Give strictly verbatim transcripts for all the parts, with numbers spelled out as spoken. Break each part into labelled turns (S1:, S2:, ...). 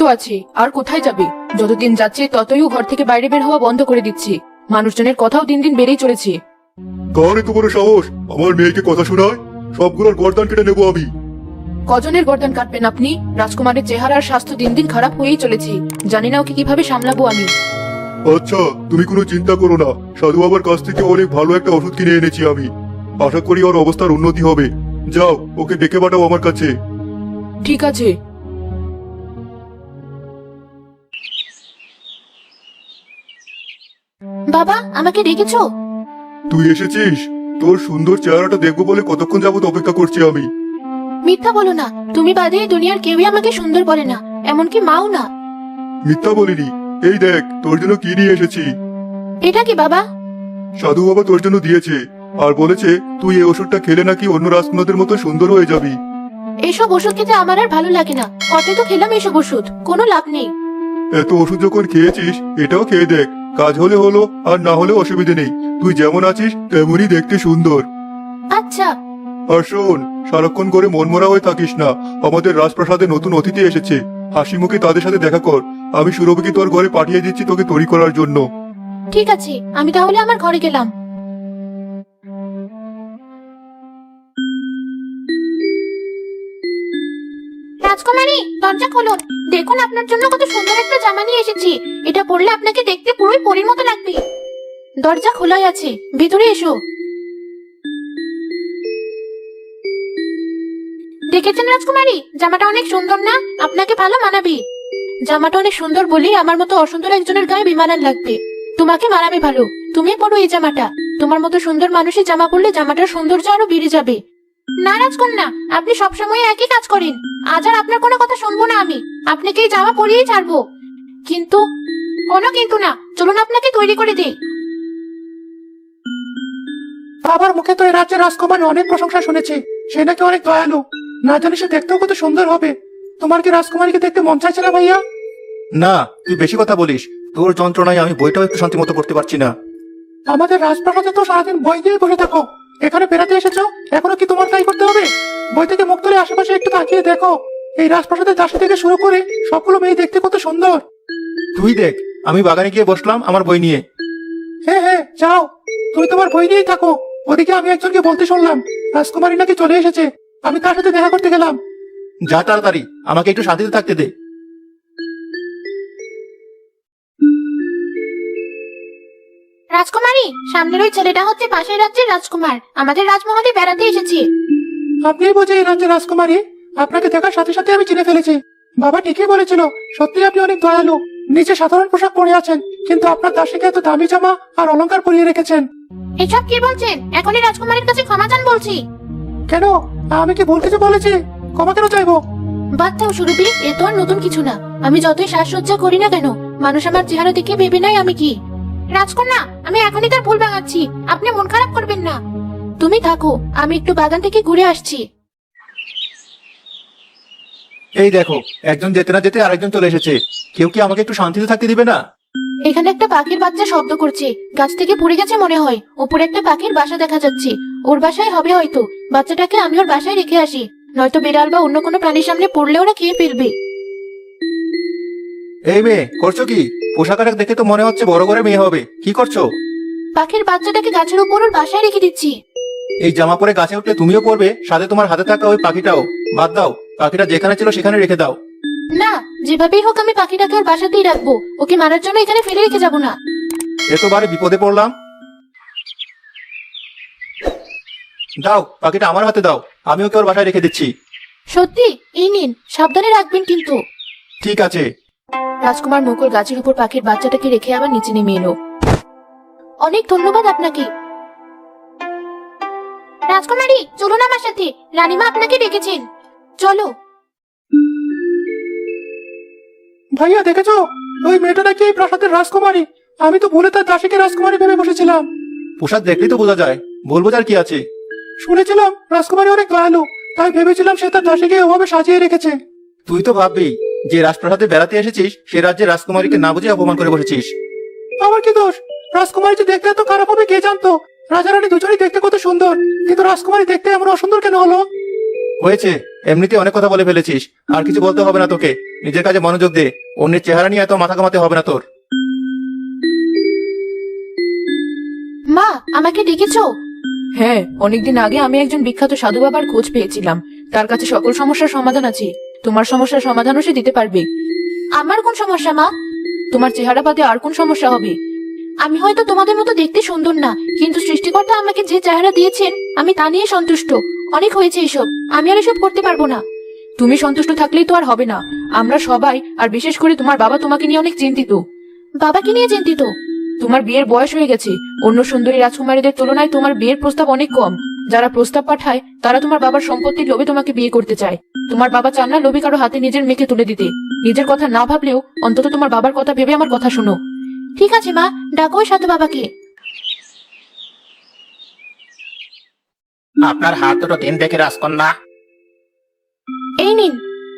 S1: আছে, আর কোথায় যাবে? যতদিন যাচ্ছে ততই ও ঘর থেকে বাইরে বের হওয়া বন্ধ করে দিচ্ছে। মানুষজনের কথাও দিন দিন বেড়েই চলেছে।
S2: কার এত বড় সাহস আমার মেয়েকে কথা শোনায়? সবগুলোর গর্দান কেটে নেবো আমি।
S1: কজনের গর্দান কাটবেন আপনি? রাজকুমারের চেহারা আর স্বাস্থ্য দিন দিন খারাপ হয়েই চলেছে। জানি না ওকে কিভাবে সামলাবো আমি।
S2: আচ্ছা, তুমি কোনো চিন্তা করো না, সাধু বাবার কাছ থেকে অনেক ভালো একটা ওষুধ কিনে এনেছি আমি। আশা করি ওর অবস্থার উন্নতি হবে। যাও, ওকে ডেকে পাঠাও আমার কাছে।
S1: ঠিক আছে। বাবা, আমাকে ডেকেছো?
S2: তুই এসেছিস? তোর সুন্দর চেহারাটা দেখবো বলে কতক্ষণ যাবত অপেক্ষা করছি আমি।
S1: মিথ্যা বলো না, তুমি বাদে এই দুনিয়ার কেউই আমাকে সুন্দর বলে না, এমনকি মাও না।
S2: মিথ্যা বলিনি। এই দেখ, তোর জন্য কি নিয়ে এসেছি।
S1: এটা কি বাবা?
S2: সাধু বাবা তোর জন্য দিয়েছে, আর বলেছে তুই এই ওষুধটা খেলে নাকি অন্য রাজকুমারদের মতো সুন্দর হয়ে যাবি।
S1: এইসব ওষুধ খেতে আমার আর ভালো লাগে না। কত তো খেলাম এইসব ওষুধ, কোনো লাভ নেই।
S2: এত ওষুধ যখন খেয়েছিস, এটাও খেয়ে দেখ। কাজ হলে হলো, আর না হলে অসুবিধে নেই। তুই যেমন আছিস তেমনই দেখতে সুন্দর।
S1: আচ্ছা।
S2: আর শোন, সারাক্ষণ করে মনমরা হয়ে থাকিস না। আমাদের রাজপ্রাসাদে নতুন অতিথি এসেছে, হাসি মুখে তাদের সাথে দেখা কর। আমি সুরভিকে তোর ঘরে পাঠিয়ে দিচ্ছি তোকে তৈরি করার জন্য।
S1: ঠিক আছে, আমি তাহলে আমার ঘরে গেলাম। রাজকুমারী, দরজা খুলুন। দেখুন, আপনার জন্য কত সুন্দর একটা জামা নিয়ে এসেছি। এটা পরলে আপনাকে দেখতে পুরোই পরীর মতো লাগবে। দরজা খোলাই আছে, ভিতরে এসো। দেখেছেন রাজকুমারী, জামাটা অনেক সুন্দর না? আপনাকে ভালো মানাবে। জামাটা অনেক সুন্দর বলেই আমার মতো অসুন্দর একজনের গায়ে বিমানান লাগবে। তোমাকে মানাবে ভালো, তুমি পরো এই জামাটা। তোমার মতো সুন্দর মানুষের জামা পরলে জামাটার সৌন্দর্য আরো বেড়ে যাবে। না রাজকন্যা, আপনি সবসময় একই কাজ করেন। আজ আর আপনার কোনো কথা শুনবো না আমি। আপনাকে এই জামা পরিয়েই ছাড়বো। কিন্তু কোনো কিন্তু না, চলুন আপনাকে তৈরি করে দিই।
S3: বাবার মুখে তো এই রাজ্যের রাজকুমারী অনেক প্রশংসা শুনেছি। সে নাকি অনেক দয়ালু। না জানি সে দেখতেও কত সুন্দর হবে। তোমার কি রাজকুমারীকে দেখতে মন চাইছে না ভাইয়া?
S4: না, তুই বেশি কথা বলিস। তোর যন্ত্রণায় আমি বইটাও একটু শান্তি মতো পড়তে পারছি না।
S3: আমাদের রাজপ্রাসাদে তো সারাদিন বই দিয়ে বসে থাকো। এখানে বেড়াতে এসেছো, এখনো কি তোমার তাই করতে হবে? বই থেকে মুখ তুলে আশেপাশে একটু তাকিয়ে দেখো। এই রাজপ্রাসাদের দাসী থেকে শুরু করে সবগুলো মেয়ে দেখতে কত সুন্দর।
S4: তুই দেখ, আমি বাগানে গিয়ে বসলাম আমার বই নিয়ে।
S3: হ্যাঁ হ্যাঁ, যাও, তুমি তোমার বই নিয়েই থাকো। ওদিকে আমি একজনকে বলতে শুনলাম রাজকুমারী নাকি চলে এসেছে। আমি তার সাথে দেখা করতে গেলাম।
S4: যা তাড়াতাড়ি, আমাকে একটু শান্তিতে থাকতে দে।
S1: রাজকুমারী, সামনের ওই ছেলেটা হচ্ছে পাশের রাজ্যের রাজকুমার। আমাদের রাজমহলে বেড়াতে এসেছে।
S3: আপনি বুঝে এই রাজ্যের রাজকুমারী? আপনাকে দেখার সাথে সাথে আমি চিনে ফেলেছি। বাবা ঠিকই বলেছিল, সত্যি আপনি অনেক দয়ালু। নিচে সাধারণ পোশাক পরে আছেন, কিন্তু আপনার দাসীকে এত দামি জামা আর অলংকার পরিয়ে রেখেছেন।
S1: এসব কি বলছেন? এখনই রাজকুমারীর কাছে ক্ষমা চান বলছি।
S3: কেন, আমি কি ভুল কিছু বলেছি? ক্ষমা কেন চাইবো?
S1: বাদ দাও সুরভি, এ তো আর নতুন কিছু না। আমি যতই সাজসজ্জা করি না কেন, মানুষ আমার চেহারা দেখে ভেবে নাই আমি কি। রাজকন্যা, আমি এখনই তার ভুল ভাঙাচ্ছি। আপনি মন খারাপ করবেন না। তুমি থাকো, আমি একটু বাগান থেকে ঘুরে আসছি।
S4: এই দেখো, একজন যেতে না যেতে আরেকজন চলে এসেছে। কেউ কি আমাকে একটু শান্তিতে থাকতে দিবে না?
S1: এখানে একটা পাখির বাচ্চা শব্দ করছে। গাছ থেকে পড়ে গেছে মনে হয়। উপরে একটা পাখির বাসা দেখা যাচ্ছে। ওর বাসায় হবে হয়তো। বাচ্চাটাকে আমি ওর বাসায় রেখে আসি, নয়তো বিড়াল বা অন্য কোনো প্রাণীর সামনে পড়লে ওরা খেয়ে ফেলবে।
S4: এই মেয়ে, করছো কি? পোশাক আশাক দেখে তো মনে হচ্ছে বড় করে মেয়ে হবে। কি করছো?
S1: পাখির বাচ্চাটাকে গাছের উপর ওর বাসায় রেখে দিচ্ছি।
S4: এই জামা পরে গাছে উঠলে তুমিও পড়বে, সাথে তোমার হাতে থাকা ওই পাখিটাও। বাদ দাও, পাখিটা যেখানে ছিল সেখানে রেখে দাও।
S1: না, যেভাবেই হোক আমি পাখিটাকে ওর বাসাতেই রাখবো। ওকে মারার জন্য এখানে ফেলে রেখে যাবো না।
S4: এতবারে বিপদে পড়লাম। দাও, পাখিটা আমার হাতে দাও। আমি ওকে ওর বাসায় রেখে দিচ্ছি।
S1: সত্যি? এই নিন, সাবধানে রাখবেন কিন্তু।
S4: ঠিক আছে।
S1: রাজকুমার মুকুল গাছের উপর পাখির বাচ্চাটাকে রেখে আবার নিচে নেমে এলো। অনেক ধন্যবাদ আপনাকে। রাজকুমারী, চলুন আমার সাথে। রানীমা আপনাকে ডেকেছেন। চলো।
S3: ভাইয়া দেখেছো, ওই মেয়েটা নাকি এই প্রাসাদের রাজকুমারী। আমি তো ভুলে তার দাসীকে রাজকুমারী ভেবে বসেছিলাম।
S4: পোশাক দেখলেই তো বোঝা যায়, বলবো আর কি আছে।
S3: শুনেছিলাম রাজকুমারী অনেক দয়ালু, তাই ভেবেছিলাম সে তার দাসীকে ওভাবে সাজিয়ে রেখেছে।
S4: তুই তো ভাববি যে রাজপ্রাসাদে বেড়াতে এসেছিস, সে রাজ্যের রাজকুমারীকে না বুঝে অপমান করে বসেছিস।
S3: আমার কি দোষ? রাজকুমারী যে দেখতে এত খারাপ হবে কে জানতো? রাজা রানী দুজনেই দেখতে কত সুন্দর, কিন্তু রাজকুমারী দেখতে এমন অসুন্দর কেন হলো?
S4: হয়েছে, এমনিতে অনেক কথা বলে ফেলেছিস, আর কিছু বলতে হবে না তোকে। নিজের কাজে মনোযোগ দে। অন্যের চেহারা নিয়ে এত মাথা কামাতে হবে না তোর।
S1: মা, আমাকে ডেকেছো? হ্যাঁ, অনেকদিন আগে আমি একজন বিখ্যাত সাধু বাবার খোঁজ পেয়েছিলাম। তার কাছে সকল সমস্যার সমাধান আছে। তোমার সমস্যার সমাধানও সে দিতে পারবে। আমার কোন সমস্যা মা? তোমার চেহারা বাদে আর কোন সমস্যা হবে? আমি হয়তো তোমাদের মতো দেখতে সুন্দর না, কিন্তু সৃষ্টিকর্তা আমাকে যে চেহারা দিয়েছেন আমি তা নিয়ে সন্তুষ্ট। অনেক হয়েছে এসব, আমি আর এসব করতে পারবো না। তুমি সন্তুষ্ট থাকলেই তো আর হবে না। আমরা সবাই, আর বিশেষ করে তোমার বাবা তোমাকে নিয়ে অনেক চিন্তিত। বাবাকে নিয়ে চিন্তিত? তোমার বিয়ের বয়স হয়ে গেছে। অন্য সুন্দরী রাজকুমারীদের তুলনায় তোমার বিয়ের প্রস্তাব অনেক কম। যারা প্রস্তাব পাঠায় তারা তোমার বাবার সম্পত্তির লোভে তোমাকে বিয়ে করতে চায়। তোমার বাবা চান না লোভী কারো হাতে নিজের মেয়েকে তুলে দিতে। নিজের কথা না ভাবলেও অন্তত তোমার বাবার কথা ভেবে আমার কথা শোনো। ঠিক আছে মা, ডাকো ওই সাধু বাবাকে।
S5: আপনার হাত দুটো দিন দেখে রাজকন্যা।
S1: এই নিন।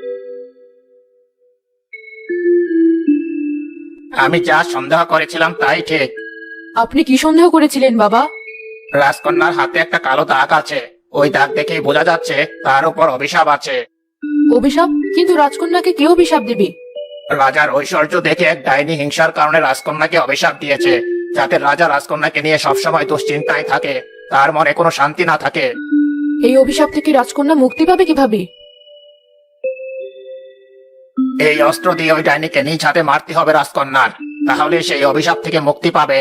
S5: আমি যা সন্দেহ করেছিলাম তাই ঠিক।
S1: আপনি কি সন্দেহ করেছিলেন বাবা?
S5: রাজকন্যার হাতে একটা কালো দাগ আছে। ওই দাগ দেখেই বোঝা যাচ্ছে তার উপর অভিশাপ আছে।
S1: অভিশাপ? কিন্তু রাজকন্যাকে কে অভিশাপ দেবে?
S5: রাজার ঐশ্বর্য দেখে এক ডাইনি হিংসার কারণে রাজকন্যাকে অভিশাপ দিয়েছে, যাতে রাজা রাজকন্যাকে নিয়ে সবসময় দুশ্চিন্তায় থাকে, তার মনে কোনো শান্তি না থাকে।
S1: এই অভিশাপ থেকে রাজকন্যা মুক্তি পাবে কিভাবে?
S5: এই অস্ত্র দিয়ে ওই ডাইনিকে নিজ হাতে মারতে হবে রাজকন্যার, তাহলে সেই অভিশাপ থেকে মুক্তি পাবে।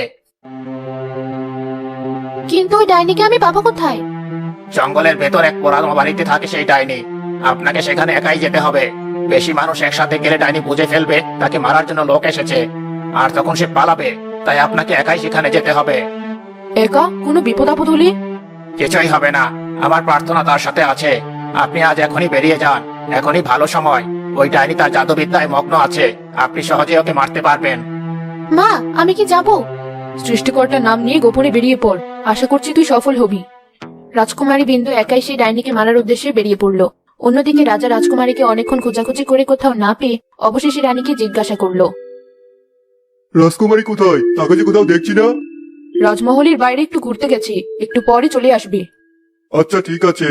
S1: কিন্তু ওই ডাইনিকে আমি পাবো কোথায়?
S5: জঙ্গলের ভেতর এক পুরানো বাড়িতে থাকে সেই ডাইনি। আপনাকে সেখানে একাই যেতে হবে। বেশি মানুষ একসাথে গেলে ডাইনি বুঝে ফেলবে তাকে মারার জন্য লোক এসেছে, আর তখন সে পালাবে। তাই আপনাকে একাই সেখানে যেতে হবে।
S1: একা? কোনো বিপদ আপদ হলে?
S5: কিছুই হবে না, আমার প্রার্থনা তার সাথে আছে। আপনি আজ এখনই বেরিয়ে যান, এখনই ভালো সময়। ওই ডাইনি তার জাদুবিদ্যায় মগ্ন আছে, আপনি সহজে ওকে মারতে পারবেন।
S1: মা, আমি কি যাব? সৃষ্টিকর্তার নাম নিয়ে গোপনে বেরিয়ে পড়, আশা করছি তুই সফল হবি। রাজকুমারী বিন্দু একাই সেই ডাইনিকে মারার উদ্দেশ্যে বেরিয়ে পড়ল। অন্যদিকে রাজা রাজকুমারীকে অনেকক্ষণ খোঁজাখুঁজি করে কোথাও না পেয়ে অবশেষে রানীকে জিজ্ঞাসা করলো,
S2: রাজকুমারী কোথায়? তাকে যে কোথাও দেখছি না।
S1: রাজমহলের বাইরে একটু ঘুরতে গেছে, একটু পরে চলে আসবে।
S2: আচ্ছা ঠিক আছে।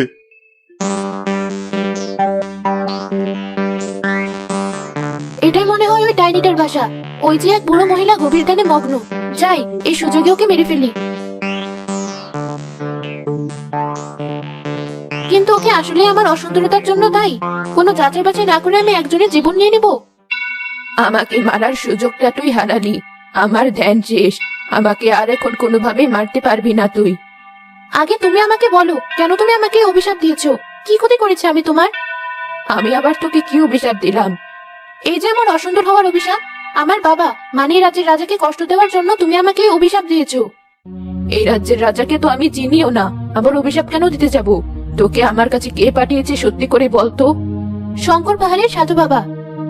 S1: এটাই মনে হয় ওই ডাইনিটার বাসা। ওই যে এক বুড়ো মহিলা গভীর ধ্যানে মগ্ন। যাই, এই সুযোগে ওকে মেরে ফেলি। কিন্তু ওকে আসলে আমার অসুন্দরতার জন্য দায়ী? কোনো যাচাই বাছাই না করে আমি একজনের জীবন নিয়ে নিব? আমাকে মারার সুযোগটা তুই হারালি। আমার ধ্যান শেষ। আমাকে আর এখন কোনোভাবে মারতে পারবি না তুই। আগে তুমি আমাকে বলো, কেন তুমি আমাকে অভিশাপ দিয়েছো? কি ক্ষতি করেছে আমি তোমার? আমি আবার তোকে কি অভিশাপ দিলাম? এই যে আমার অসুন্দর হওয়ার অভিশাপ। আমার বাবা মানে এই রাজ্যের রাজাকে কষ্ট দেওয়ার জন্য তুমি আমাকে অভিশাপ দিয়েছো। এই রাজ্যের রাজাকে তো আমি চিনিও না, আবার অভিশাপ কেন দিতে যাব? তোকে আমার কাছে কে পাঠিয়েছে সত্যি করে বলতো? শঙ্কর পাহাড়ের সাধু বাবা।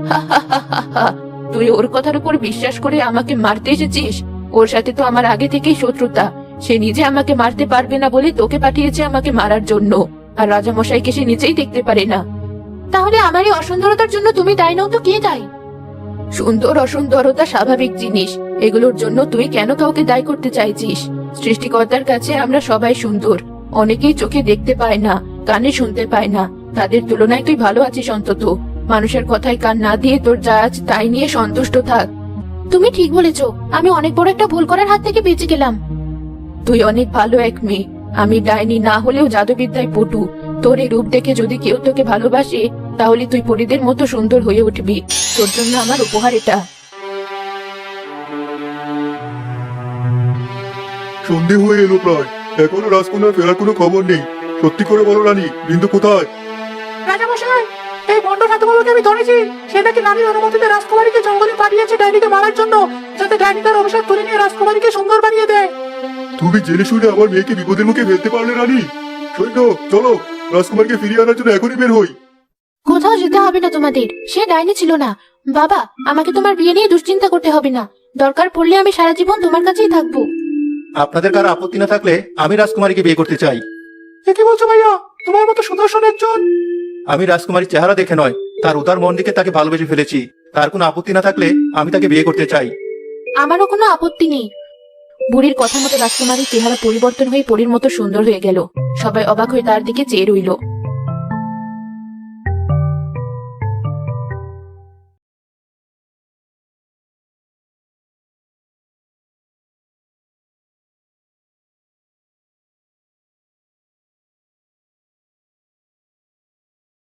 S1: তুই ওর কথার উপর বিশ্বাস করে আমাকে মারতে এসেছিস? ওর সাথে তো আমার আগে থেকেই শত্রুতা। সে নিজে আমাকে মারতে পারবে না বলে তোকে পাঠিয়েছে আমাকে মারার জন্য, আর রাজা মশাইকে সে নিজেই দেখতে পারে না। তাহলে আমার এই অসুন্দরতার জন্য তুমি দায়ী নও তো কে দায়ী? সুন্দর অসুন্দরতা স্বাভাবিক জিনিস, এগুলোর জন্য তুই কেন কাউকে দায়ী করতে চাইছিস? সৃষ্টিকর্তার কাছে আমরা সবাই সুন্দর। অনেকেই চোখে দেখতে পায় না, কানে শুনতে পায় না। তাদের তুলনায় তুই ভালো আছিস অন্তত। মানুষের কথায় কান না দিয়ে তোর যা আছে তাই নিয়ে সন্তুষ্ট থাক। তুমি ঠিক বলেছো, আমি অনেক বড় একটা ভুল করার হাত থেকে বেঁচে গেলাম। তুই অনেক ভালো এক মেয়ে। আমি ডাইনি না হলেও জাদুবিদ্যায় পটু। তোর এই রূপ দেখে যদি কেউ তোকে ভালোবাসে তাহলে তুই পরীদের মতো সুন্দর হয়ে উঠবি। তোর জন্য আমার উপহার এটা।
S2: সন্ধে হয়ে এলো প্রায়, এখনো রাজকন্যার ফেরার কোনো খবর নেই। সত্যি করে বলো রানী, বিন্দু কোথায়?
S3: রাজামশাই, এই বন্ড সাধুবাবুকে আমি ধরেছি। সে নাকি রানীর অনুমতিতে রাজকুমারীকে জঙ্গলে পাঠিয়েছে ডাইনিকে মারার জন্য, যাতে ডাইনি তার অভিশাপ তুলে নিয়ে রাজকুমারীকে সুন্দর বানিয়ে দেয়।
S2: তুমি জেনে শুনে আমার মেয়েকে বিপদের মুখে ফেলতে পারলে রানী। সৈন্য চলো, রাজকুমারকে ফিরিয়ে আনার জন্য এখনই বের হই।
S1: কোথাও যেতে হবে না তোমাদের, সে ডাইনি ছিল না। বাবা, আমাকে তোমার বিয়ে নিয়ে দুশ্চিন্তা করতে হবে না। দরকার পড়লে আমি সারা জীবন তোমার কাছেই থাকবো।
S4: আপনাদের কারো আপত্তি না থাকলে আমি রাজকুমারীকে বিয়ে করতে চাই।
S3: এ কি বলছো ভাইয়া? তোমার মতো সুদর্শন একজন।
S4: আমি রাজকুমারীর চেহারা দেখে নয়, তার উদার মন দিকে তাকে ভালোবেসে ফেলেছি। তার কোনো আপত্তি না থাকলে আমি তাকে বিয়ে করতে চাই।
S1: আমারও কোনো আপত্তি নেই। বুড়ির কথা মতো রাজকুমারীর চেহারা পরিবর্তন হয়ে পরীর মতো সুন্দর হয়ে গেল। সবাই অবাক হয়ে তার দিকে চেয়ে রইল।